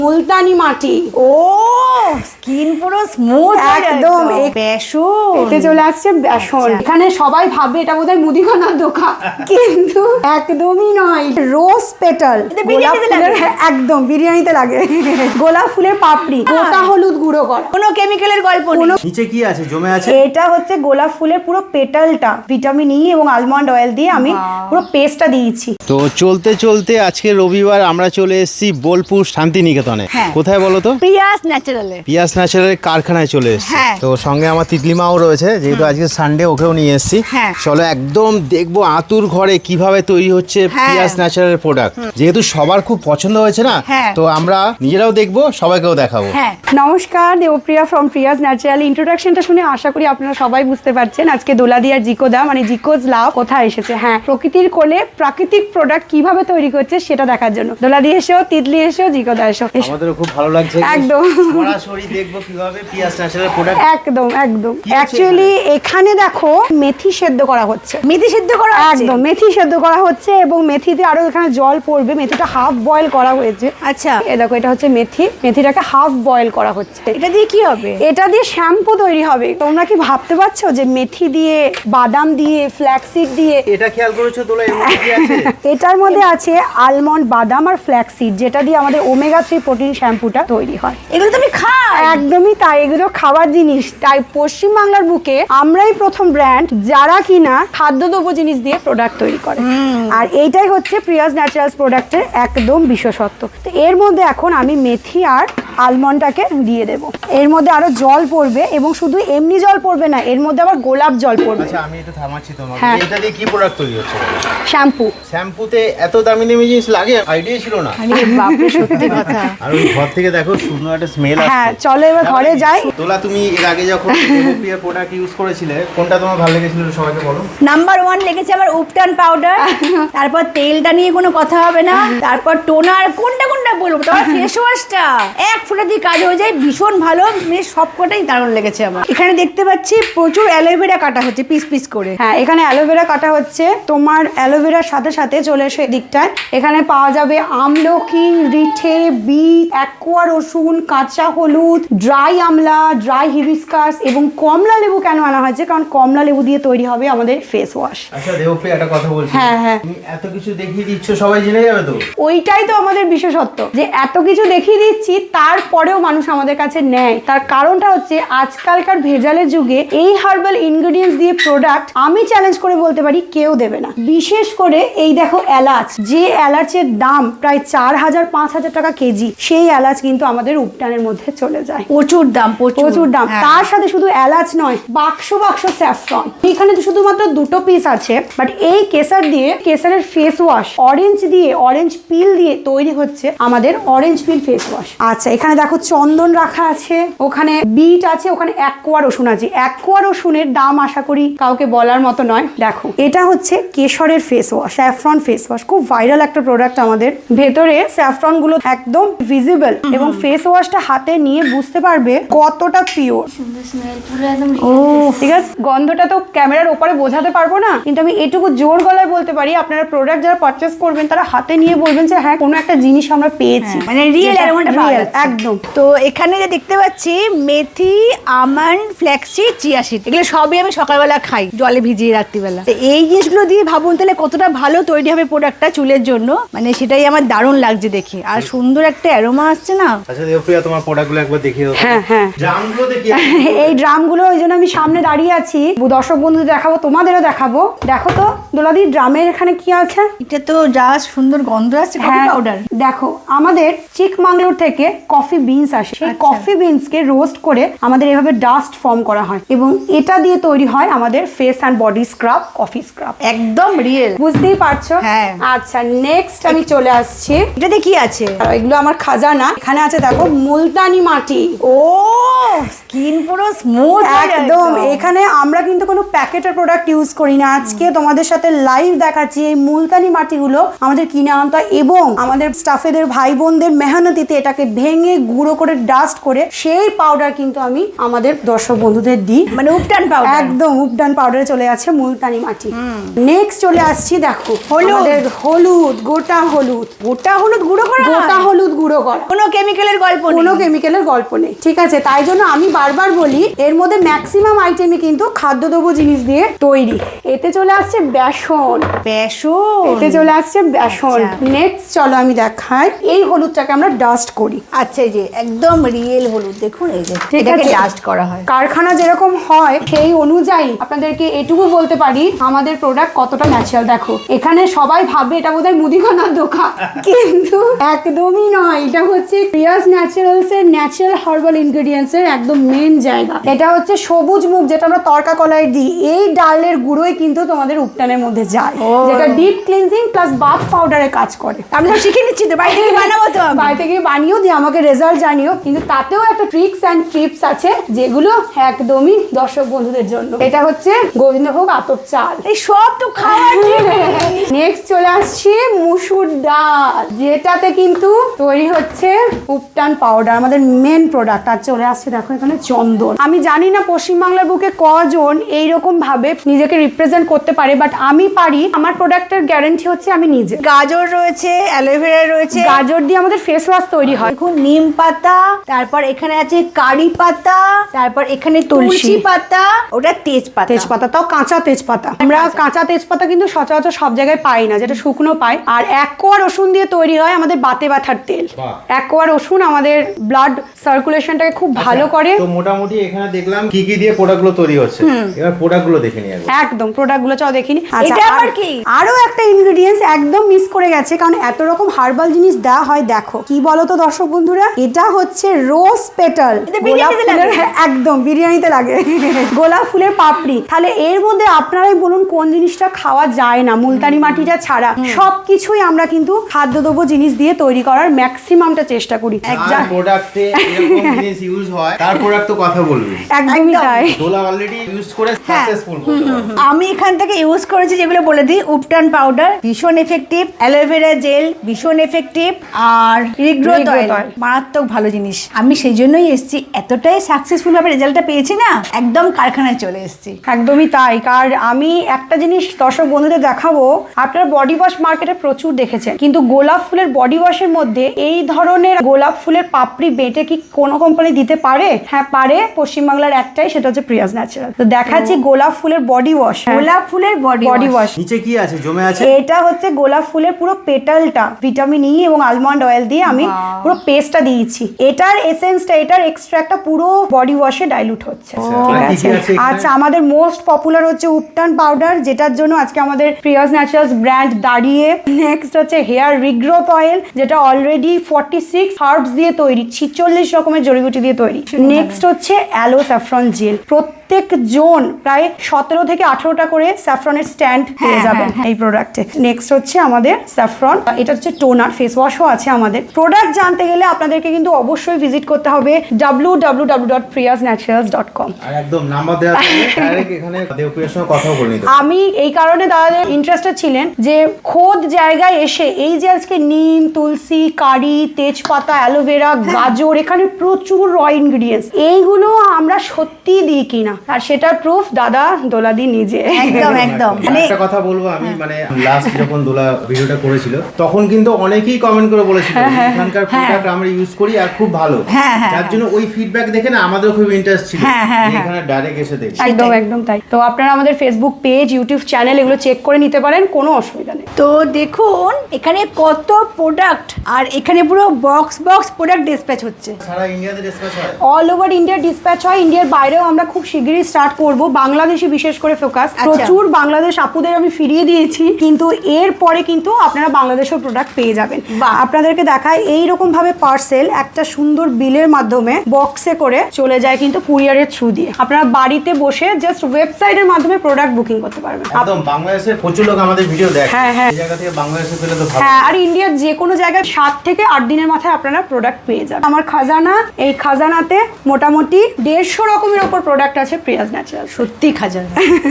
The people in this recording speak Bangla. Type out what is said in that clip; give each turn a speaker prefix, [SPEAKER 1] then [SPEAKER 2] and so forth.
[SPEAKER 1] মুলতানি মাটি।
[SPEAKER 2] ও স্কিন পুরো স্মুথ
[SPEAKER 1] একদম।
[SPEAKER 2] বেসন
[SPEAKER 1] এতে চলে আসছে বেসন। এখানে সবাই ভাবে এটা বোধহয় মুদিখানার দোকান, কিন্তু একদমই নয়। রোজ পেটাল, গোলাপ ফুলের, একদম বিরিয়ানিতে লাগে। গোলাপ ফুলের পাপড়ি, গোটা হলুদ গুঁড়ো করা,
[SPEAKER 2] কোনো কেমিক্যালের গল্প নেই।
[SPEAKER 3] নিচে কি আছে জমে আছে?
[SPEAKER 1] এটা হচ্ছে গোলাপ ফুলের পুরো পেটালটা ভিটামিন ই এবং আলমন্ড অয়েল দিয়ে আমি পুরো পেস্টটা দিয়েছি।
[SPEAKER 3] তো চলতে চলতে আজকে রবিবার আমরা চলে এসেছি বোলপুর শান্তিনিকেতনে। কোথায় বলো তো?
[SPEAKER 2] পিয়াস ন্যাচারালে।
[SPEAKER 3] পিয়াস ন্যাচারালের কারখানায় চলে এসেছি। তো সঙ্গে আমার তিতলিমাও রয়েছে, যেহেতু আজকে সানডে, ওকেও নিয়ে এসেছি। চলো একদম দেখবো আতুর ঘরে কিভাবে তৈরি হচ্ছে পিয়াস ন্যাচারালের প্রোডাক্ট। যেহেতু সবার খুব পছন্দ হয়েছে না, তো আমরা নিজেরাও দেখবো, সবাইকেও দেখাবো।
[SPEAKER 1] নমস্কার, দেবপ্রিয়া ফ্রম প্রিয়াস ন্যাচারাল। ইন্ট্রোডাকশনটা শুনে আশা করি আপনারা সবাই বুঝতে পারছেন আজকে দোলাদি আর জিকোদা মানে জিকোজ লাভ কোথায় এসেছে। হ্যাঁ, প্রকৃতির কোলে প্রাকৃতিক প্রোডাক্ট কিভাবে তৈরি করছে সেটা দেখার জন্য। দোলাদি এসো, তিতলি এসো, জিকোদা এসো।
[SPEAKER 3] আমাদেরও খুব ভালো লাগছে,
[SPEAKER 1] একদম
[SPEAKER 3] সরাসরি দেখবো কিভাবে পিয়াস ন্যাচারাল প্রোডাক্ট।
[SPEAKER 1] একদম একদম। অ্যাকচুয়ালি এখানে দেখো মেথি সেদ্ধ করা হচ্ছে।
[SPEAKER 2] মেথি সেদ্ধ করা
[SPEAKER 1] একদম মেথি সেদ্ধ করা হচ্ছে এবং মেথিতে আরো এখানে জল পড়বে। মেথিটা হাফ বয়েল করা হয়েছে।
[SPEAKER 2] আচ্ছা,
[SPEAKER 1] এই দেখো এটা হচ্ছে মেথি। মেথিটাকে হাফ বয়েল করা হচ্ছে।
[SPEAKER 2] এটা দিয়ে কি হবে?
[SPEAKER 1] এটা দিয়ে শ্যাম্পু তৈরি হবে। তোমরা কি ভাবতে পারছো যে মেথি দিয়ে, বাদাম দিয়ে, ফ্ল্যাক্সিড দিয়ে?
[SPEAKER 3] এটা খেয়াল করেছো দোলা, এর মধ্যে কি আছে?
[SPEAKER 1] এটার মধ্যে আছে আলমন্ড, বাদাম আর ফ্ল্যাক্সিড, যেটা দিয়ে আমাদের ওমেগা 3 প্রোটিন শ্যাম্পুটা তৈরি হয়।
[SPEAKER 2] এগুলো তুমি খাও?
[SPEAKER 1] একদমই তাই, এগুলো খাবার জিনিস। তাই পশ্চিমবাংলার বুকে আমরাই প্রথম ব্র্যান্ড যারা কিনা খাদ্যদ্রব্য জিনিস দিয়ে প্রোডাক্ট তৈরি করে। আর এইটাই হচ্ছে প্রিয়াস ন্যাচারালস প্রোডাক্টের একদম বিশেষত্ব। তো এর মধ্যে এখন আমি মেথি আর আলমন্ডটাকে দিয়ে দেব। এর মধ্যে আরো জল পড়বে এবং শুধু এমনি জল পড়বে না, এর মধ্যে আবার গোলাপ জল পড়বে।
[SPEAKER 3] আচ্ছা, আমি এটা থামাচ্ছি তোমাকে।
[SPEAKER 1] হ্যাঁ।
[SPEAKER 3] এটা দিয়ে কি প্রোডাক্ট তৈরি হচ্ছে?
[SPEAKER 1] শ্যাম্পু।
[SPEAKER 3] শ্যাম্পুতে এত দামি দামি জিনিস লাগে, আইডিয়া ছিল না।
[SPEAKER 2] আরে বাপরে, সত্যি কথা।
[SPEAKER 3] আর ওই ঘর থেকে দেখো সুন্দর একটা স্মেল আসছে।
[SPEAKER 1] হ্যাঁ, চলো এবার ঘরে যাই।
[SPEAKER 3] তোলা, তুমি এর আগে যখন দেবপ্রিয়া প্রোডাক্ট ইউজ করেছিলে, কোনটা তোমার ভালো লেগেছিল সবাইকে বলো।
[SPEAKER 2] নাম্বার 1 লেগেছে আমার উপটান পাউডার। তারপর তেলটা নিয়ে কোনো কথা হবে না। তারপর টোনার, কোনটা বলবো, তারপর ফেস ওয়াশটা এক ফোঁটা দিয়ে কাজ হয়ে যায়, ভীষণ ভালো। সবকটাই দারুণ লেগেছে আমার। এখানে দেখতে পাচ্ছি প্রচুর অ্যালোভেরা কাটা হচ্ছে পিস পিস করে।
[SPEAKER 1] হ্যাঁ, এখানে অ্যালোভেরা কাটা হচ্ছে। তোমার অ্যালোভেরার সাথে সাথে চলে এসো এদিকটায়। এখানে পাওয়া যাবে আমলকি, রিঠে, বিট, অ্যাকোয়া রসুন, কাঁচা হলুদ, ড্রাই আমলা, ড্রাই হিবিস্কাস এবং কমলা লেবু। কেন আনা হয়েছে? কারণ কমলা লেবু দিয়ে তৈরি হবে আমাদের ফেস ওয়াশ।
[SPEAKER 3] আচ্ছা দেবপ্রিয়া, একটা কথা বলছি।
[SPEAKER 1] হ্যাঁ,
[SPEAKER 3] তুমি এত কিছু দেখিয়ে দিচ্ছ, সবাই জেনে যাবে তো।
[SPEAKER 1] ওইটাই তো আমাদের বিশেষত্ব, যে এত কিছু দেখিয়ে দিচ্ছি তারপরেও মানুষ আমাদের কাছে নেয়। তার কারণটা হচ্ছে আজকালকার ভেজালের যুগে এই হার্বাল ইনগ্রেডিয়েন্টস দিয়ে প্রোডাক্ট আমি চ্যালেঞ্জ করে বলতে পারি কেউ দেবে না। বিশেষ করে এই দেখো এলাচ, যে এলাচের দাম প্রায় 4000-5000 টাকা কেজি, সেই এলাচ কিন্তু আমাদের উপটানের মধ্যে চলে যায়।
[SPEAKER 2] প্রচুর দাম,
[SPEAKER 1] প্রচুর দাম। তার সাথে শুধু এলাচ নয়, বাক্স বাক্স স্যাফরন। এখানে তো শুধুমাত্র 2টো পিস আছে, বাট এই কেসার দিয়ে, কেসারের ফেস ওয়াশ, অরেঞ্জ দিয়ে, অরেঞ্জ পিল দিয়ে তৈরি হচ্ছে আমাদের অরেঞ্জ পিল ফেস ওয়াশ। আচ্ছা, এখানে দেখো চন্দন রাখা আছে, ওখানে বিট আছে, ওখানে অ্যাকোয়া রসুন আছে। অ্যাকোয়া রসুনের দাম আশা করি কাউকে বলার মতো নয়। দেখো, এটা হচ্ছে কেশরের face wash, saffron face wash. খুব ভাইরাল একটা প্রোডাক্ট আমাদের। ভেতরে স্যাফরন গুলো একদম ভিজিবল এবং ফেস ওয়াশটা হাতে নিয়ে বুঝতে পারবে কতটা পিওর। ও ঠিক আছে, গন্ধটা তো ক্যামেরার ওপরে বোঝাতে পারবো না, কিন্তু আমি এটুকু জোর গলায় বলতে পারি আপনারা প্রোডাক্ট যারা পারচেজ করবেন তারা হাতে নিয়ে বলবেন যে হ্যাঁ, কোনো একটা জিনিস আমরা পেয়েছি,
[SPEAKER 2] মানে রিয়েল অ্যারোমাটা পাওয়া যাচ্ছে।
[SPEAKER 1] একদম।
[SPEAKER 2] তো এখানে যে দেখতে পাচ্ছি মেথি, আমন্ড, ফ্ল্যাক্সিড, চিয়া সিড, এগুলো সবই আমি সকালবেলা খাই জলে ভিজিয়ে রাত্রিবেলা। তো এই জিনিসগুলো দিয়ে ভাবুন তাহলে কতটা ভালো তৈরি হবে প্রোডাক্টটা চুলের জন্য। মানে সেটাই আমার দারুণ লাগছে দেখে, আর সুন্দর একটা অ্যারোমা আসছে না।
[SPEAKER 3] আচ্ছা দেবপ্রিয়া, তোমার প্রোডাক্টগুলো একবার দেখিয়ে দাও।
[SPEAKER 1] হ্যাঁ,
[SPEAKER 3] ড্রামগুলো দেখিয়ে।
[SPEAKER 1] এই ড্রামগুলো, ওই জন্য আমি সামনে দাঁড়িয়ে আছি, দর্শক বন্ধুদের দেখাবো, তোমাদেরও দেখাবো। দেখো তো দোলাদি, ড্রামের এখানে কি আছে?
[SPEAKER 2] এটা তো যা সুন্দর গন্ধ আসছে, কফি পাউডার।
[SPEAKER 1] দেখো, আমাদের চিকমাঙ্গলোর থেকে কফি বিনস আসে। সেই কফি বিনসকে রোস্ট করে আমাদের এভাবে ডাস্ট ফর্ম করা হয় এবং এটা দিয়ে তৈরি হয় আমাদের face and body scrub, coffee scrub.
[SPEAKER 2] একদম রিয়েল,
[SPEAKER 1] বুঝতেই পারছো?
[SPEAKER 2] হ্যাঁ।
[SPEAKER 1] আচ্ছা, নেক্সট আমি চলে আসছি।
[SPEAKER 2] এটাতে কি আছে?
[SPEAKER 1] এগুলো আমার খাজানা। এখানে আছে দেখো মুলতানি মাটি।
[SPEAKER 2] ও স্কিন পুরো স্মুথ
[SPEAKER 1] একদম। এখানে আমরা কিন্তু কোনো প্যাকেটের প্রোডাক্ট ইউজ করি না। আজকে তোমাদের সাথে লাইভ দেখাচ্ছি এই মুলতানি মাটিগুলো আমাদের কিনে আনতে এবং আমাদের স্টাফেদের ভাই বোনদের মেহনতিতে এটাকে ভেঙে নিয়ে গুঁড়ো করে ডাস্ট করে সেই পাউডার কিন্তু আমি আমাদের দর্শক বন্ধুদের দিই।
[SPEAKER 2] মানে উপটান পাউডার,
[SPEAKER 1] একদম উপটান পাউডারে চলে যাচ্ছে মুলতানি মাটি। নেক্সট চলে আসছি, দেখো হলুদ, হলুদ গোটা হলুদ,
[SPEAKER 2] গোটা হলুদ গুঁড়ো করা,
[SPEAKER 1] গোটা হলুদ গুঁড়ো করা,
[SPEAKER 2] কোনো কেমিক্যালের গল্প নেই,
[SPEAKER 1] কোনো কেমিক্যালের গল্প নেই, ঠিক আছে? তাই জন্য আমি বারবার বলি এর মধ্যে ম্যাক্সিমাম আইটেমই কিন্তু খাদ্যদ্রব্য জিনিস দিয়ে তৈরি। এতে চলে আসছে বেসন,
[SPEAKER 2] বেসন,
[SPEAKER 1] এতে চলে আসছে বেসন। নেক্সট চলো আমি দেখাই, এই হলুদটাকে আমরা ডাস্ট করি।
[SPEAKER 2] আচ্ছা, এই যে একদম রিয়েল হলুদ, দেখুন এই যে
[SPEAKER 1] ঠিক
[SPEAKER 2] এটাকে
[SPEAKER 1] আছে।
[SPEAKER 2] ডাস্ট করা হয়।
[SPEAKER 1] কারখানা যেরকম হয় সেই অনুযায়ী আপনাদেরকে এটুকু বলতে পারি আমাদের প্রোডাক্ট কতটা ন্যাচারাল। দেখো এখানে সবাই ভাবে এটা বোধহয় মুদিখানার দোকান, কিন্তু একদমই নয়। এটা হচ্ছে প্রিয়াস ন্যাচারালস এর ন্যাচারাল হার্বাল ইনগ্রেডিয়েন্টস এর একদম মেন জায়গা। এটা হচ্ছে সবুজ মুগ, যেটা আমরা তরকা কলায় দিই। এই ডালের গুঁড়োই কিন্তু তোমাদের উপটানের মধ্যে যায়, যেটা ডিপ ক্লিনজিং প্লাস বাথ পাউডারে কাজ করে।
[SPEAKER 2] আমি তো শিখে নিচ্ছি, তো বাড়ি থেকে বানাবো, তো আমি।
[SPEAKER 1] বাড়ি থেকে বানিয়েও দিয়ে আমাকে রেজাল্ট জানিও, কিন্তু তাতেও একটা ট্রিক্স অ্যান্ড টিপস আছে যেগুলো একদমই দর্শক বন্ধুদের জন্য। এটা হচ্ছে গোবিন্দভোগ আতপ চাল,
[SPEAKER 2] এই সব তো খাওয়ার
[SPEAKER 1] নেক্সট চলে আসছি মুসুর ডাল, যেটাতে কিন্তু তৈরি হচ্ছে উপটান পাউডার, আমাদের মেন প্রোডাক্ট। আর চলে আসছে দেখো এখানে চন্দন। আমি জানি না পশ্চিমবাংলার বুকে কজন এইরকম ভাবে নিজেকে রিপ্রেজেন্ট করতে পারে, বাট আমি পারি। আমার প্রোডাক্টের গ্যারান্টি হচ্ছে আমি নিজে।
[SPEAKER 2] গাজর রয়েছে, অ্যালোভেরা রয়েছে,
[SPEAKER 1] গাজর দিয়ে আমাদের ফেস ওয়াশ তৈরি হয়।
[SPEAKER 2] দেখুন নিম পাতা, তারপর এখানে আছে কারি পাতা, তারপর এখানে তুলসী পাতা, ওটা তেজপাতা,
[SPEAKER 1] তেজপাতা, তাও কাঁচা তেজপাতা। আমরা কাঁচা তেজপাতা কিন্তু সচরাচর সব জায়গায় পাই না, যেটা শুকনো পাই। আর এক কোয়া রসুন দিয়ে তৈরি হয় আমাদের বাতে ব্যথার তেল। এক কোয়া রসুন আমাদের ব্লাড সার্কুলেশনটাকে খুব ভালো করে।
[SPEAKER 3] তো মোটামুটি এখানে দেখলাম কি কি দিয়ে প্রোডাক্টগুলো তৈরি হচ্ছে, এবার প্রোডাক্টগুলো দেখে নিই আগে।
[SPEAKER 1] একদম প্রোডাক্টগুলো চাও দেখিনি।
[SPEAKER 2] এটা আবার কি?
[SPEAKER 1] আরো একটা ইনগ্রেডিয়েন্টস একদম মিস করে গেছে, কারণ এত রকম হার্বাল জিনিস দেওয়া হয়। দেখো কি বলো তো দর্শক বন্ধুরা, এটা হচ্ছে রোজ পেটাল, গোলাপ ফুলের, একদম বিরিয়ানিতে লাগে গোলাপ ফুলের পাপড়ি। তাহলে এর মধ্যে আপনারাই বলুন কোন জিনিসটা খাওয়া যায় না মুলতানি মাটিটা ছাড়া? সবকিছুই আমরা কিন্তু খাদ্যদ্রব্য জিনিস দিয়ে তৈরি করার ম্যাক্সিমামটা চেষ্টা করি।
[SPEAKER 3] যার প্রোডাক্টে এরকম জিনিস ইউজ হয় তার প্রোডাক্ট তো কথা বলবি।
[SPEAKER 1] একদমই তাই।
[SPEAKER 3] দোলা অলরেডি ইউজ করে সাকসেসফুল।
[SPEAKER 2] আমি এখান থেকে ইউজ করেছি যেগুলো বলে দিই, উপটান পাউডার ভীষণ এফেক্টিভ, অ্যালোভেরা জেল ভীষণ এফেক্টিভ, আর রিগ্রোথ অয়েল মারাত্মক ভালো জিনিস। আমি সেই জন্যই এসেছি, এতটাই সাকসেসফুল ভাবে রেজাল্টটা পেয়েছি না, একদম কারখানায় চলে এসেছি।
[SPEAKER 1] একদমই তাই। কারণ আমি একটা জিনিস দর্শক বন্ধুদের দেখাবো, আপনারা বডি ওয়াশ মার্কেটে প্রচুর দেখেছেন, কিন্তু গোলাপ ফুলের বডি ওয়াশের মধ্যে এই ধরনের গোলাপ ফুলের পাপড়ি বেটে কি কোনো কোম্পানি দিতে পারে? হ্যাঁ পারে, পশ্চিমবাংলার একটাই, সেটা হচ্ছে প্রিয়াস ন্যাচারাল। তো দেখাচ্ছি গোলাপ ফুলের বডি ওয়াশ।
[SPEAKER 2] গোলাপ ফুলের বডি
[SPEAKER 1] ওয়াশ
[SPEAKER 3] নিচে কি আছে জমে আছে?
[SPEAKER 1] এটা হচ্ছে গোলাপ ফুলের পুরো পেটালটা ভিটামিন ই এবং আলমন্ড অয়েল দিয়ে আমি পুরো পেস্টটা দিয়েছি। এটার এসেন্সটা, এটার এক্সট্রাক্টটা পুরো বডি ওয়াশে ডাইলুট হচ্ছে। ঠিক আছে। আচ্ছা, আমাদের মোস্ট পপুলার হচ্ছে উপটান পাউডার, যেটার জন্য আজকে আমাদের প্রিয়াস ন্যাচারালস ব্র্যান্ড দাঁড়িয়ে। নেক্সট হচ্ছে হেয়ার রিগ্রোথ অয়েল, যেটা অলরেডি 46 হার্বস দিয়ে তৈরি, 46 রকমের জড়িবুটি দিয়ে তৈরি। নেক্সট হচ্ছে অ্যালো স্যাফরন জেল। প্রত্যেক জন প্রায় 17 থেকে 18টা করে স্যাফরনের স্ট্যান্ড পেয়ে যাবেন এই প্রোডাক্টে। নেক্সট হচ্ছে আমাদের স্যাফরন, এটা হচ্ছে টোনার, ফেস ওয়াশও আছে আমাদের। প্রোডাক্ট জানতে গেলে আপনাদেরকে কিন্তু অবশ্যই ভিজিট করতে হবে www.priyasnaturals.com।
[SPEAKER 3] আর একদম নাম্বার দেওয়া আছে, ডাইরেক্ট এখানে দেবপ্রিয়ার সঙ্গে কথা বলে নিতে।
[SPEAKER 1] আমি এই কারণে দাদাদের ইন্টারেস্টেড ছিলেন যে খোদ জায়গায় এসে এই যে আজকে নিম, তুলসী, কারি, তেজপাতা, অ্যালোভেরা, গাজর, এখানে প্রচুর র ইনগ্রিডিয়েন্টস, এইগুলো আমরা সত্যি দিই কিনা, আর সেটার প্রুফ দাদা দোলাদি নিজে।
[SPEAKER 2] একদম একদম।
[SPEAKER 3] একটা কথা বলবো আমি, মানে লাস্ট যখন দোলা ভিডিওটা করেছিল তখন কিন্তু অনেকেই কমেন্ট করে বলেছিল এখানকার প্রোডাক্ট আমরা ইউজ করি আর খুব ভালো, যার জন্য ওই ফিডব্যাক দেখে না আমাদের খুব ইন্টারেস্ট ছিল এখানে ডাইরেক্ট এসে দেখি।
[SPEAKER 1] একদম একদম তাই। তো আপনারা আমাদের ফেসবুক পেজ, ইউটিউব চ্যানেল এগুলো চেক করে নিতে পারেন, কোনো অসুবিধা নেই।
[SPEAKER 2] তো দেখুন এখানে কত প্রোডাক্ট, আর এখানে পুরো বক্স প্রোডাক্ট ডিসপ্যাচ হচ্ছে।
[SPEAKER 3] সারা ইন্ডিয়াতে ডিসপ্যাচ হয়,
[SPEAKER 1] অল ওভার ইন্ডিয়া ডিসপ্যাচ হয়। ইন্ডিয়ার বাইরেও আমরা খুব শিগগিরই স্টার্ট করব। বাংলাদেশে বিশেষ করে ফোকাস, প্রচুর বাংলাদেশ আপুদের আমি ফিরিয়ে দিয়েছি, কিন্তু এরপরে কিন্তু আপনারা বাংলাদেশের প্রোডাক্ট পেয়ে যাবেন। আপনাদেরকে দেখায় এইরকম ভাবে পার্সেল একটা সুন্দর বিলের মাধ্যমে বক্সে করে চলে যায় কিন্তু কুরিয়ারের থ্রু দিয়ে। আপনারা বাড়িতে বসে জাস্ট ওয়েবসাইটের মাধ্যমে প্রোডাক্ট বুকিং করতে পারবেন।
[SPEAKER 3] একদম বাংলাদেশের প্রচুর লোক আমাদের ভিডিও দেখে, এই জায়গা থেকে বাংলাদেশে পেলে তো ভালো।
[SPEAKER 1] হ্যাঁ, আর ইন্ডিয়ার যে কোনো জায়গায় 7 থেকে 8 দিনের মাথায় আপনারা প্রোডাক্ট পেয়ে যাবেন। আমার খাজানা, এই খাজানাতে মোটামুটি 150 রকমের ওপর প্রোডাক্ট আছে প্রিয়াস ন্যাচারাল।
[SPEAKER 2] সত্যি খাজানা।